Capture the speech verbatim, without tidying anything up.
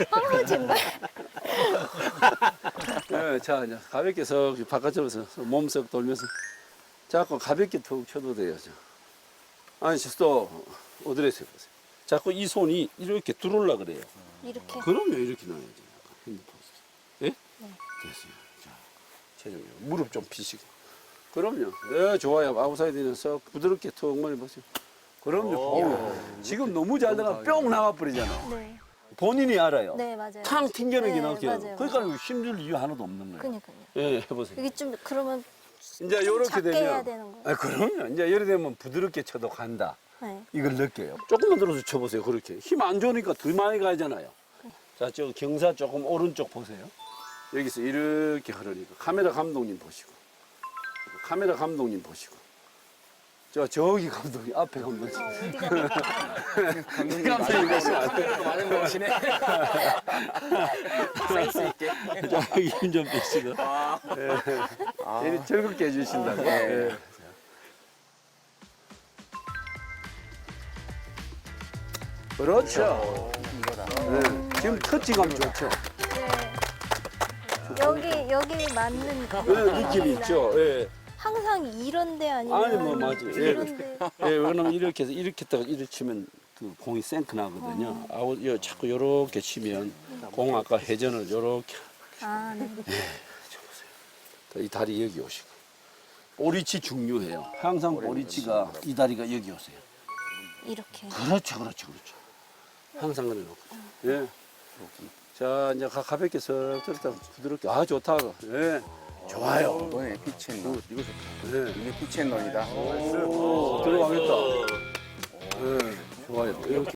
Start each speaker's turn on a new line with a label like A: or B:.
A: 아, 정말.
B: 네, 자, 이제 가볍게 석 바깥쪽에서 몸석 돌면서 자꾸 가볍게 툭 쳐도 돼요. 자. 아니, 또 어드레스 해보세요. 자꾸 이 손이 이렇게 들어올라 그래요.
A: 이렇게.
B: 그럼요, 이렇게 놔야지. 핸드폰. 예?
A: 네.
B: 됐어요. 자, 체중요. 무릎 좀 피시고. 그럼요. 네, 좋아요. 아웃사이드는 썩 부드럽게 툭 머리 보세요. 그럼요. 어우, 지금 너무 잘 나가 뿅 나와버리잖아.
A: 네.
B: 본인이 알아요.
A: 네, 맞아요.
B: 탕 튕겨내기
A: 네,
B: 나올게요.
A: 맞아요,
B: 그러니까 힘줄 이유 하나도 없는 거예요.
A: 그니까요.
B: 예, 해보세요.
A: 이게 좀 그러면
B: 이제
A: 좀
B: 요렇게
A: 작게
B: 되면.
A: 해야 되는 거예요.
B: 아, 그럼요. 이제 이렇게 되면 부드럽게 쳐도 간다.
A: 네.
B: 이걸 느껴요. 조금만 들어서 쳐보세요. 그렇게. 힘 안 좋으니까 더 많이 가잖아요. 자, 저 경사 조금 오른쪽 보세요. 여기서 이렇게 흐르니까. 카메라 감독님 보시고. 카메라 감독님 보시고. 저, 저기 감독님, 앞에 감독님.
A: 아, 어디가
B: 감독님 보시면 안 돼요.
C: 많은 거 오시네. 센스 있게.
B: 자, 힘좀 빼시고.
C: 아.
B: 예. 이리 즐겁게 해주신다고. 예. 그렇죠.
C: 이거다.
B: 네. 지금 터치감 좋죠.
A: 네. 여기 여기 맞는
B: 네, 느낌이 있죠. 예.
A: 항상 이런데 아니면
B: 아니, 뭐, 맞아요. 예.
A: 이런데.
B: 예, 왜냐면 이렇게 해서 이렇게 딱 이렇게 치면 그 공이 생크 나거든요. 아웃, 요, 자꾸 요렇게 치면 공 아까 회전을 요렇게.
A: 아, 네.
B: 이 다리 여기 오시고. 오리치 중요해요. 항상 오리치가 이 다리가 여기 오세요.
A: 이렇게.
B: 그렇죠, 그렇죠, 그렇죠. 항상 그래 놓고. 예. 자, 이제 가- 가볍게 석 들었다 부드럽게. 아, 좋다. 예. 좋아요.
C: 이번에 피치앤롤. 이거 좋다.
B: 예.
C: 이게 피치앤롤이다.
B: 오, 들어가겠다. 예. 좋아요. 이렇게.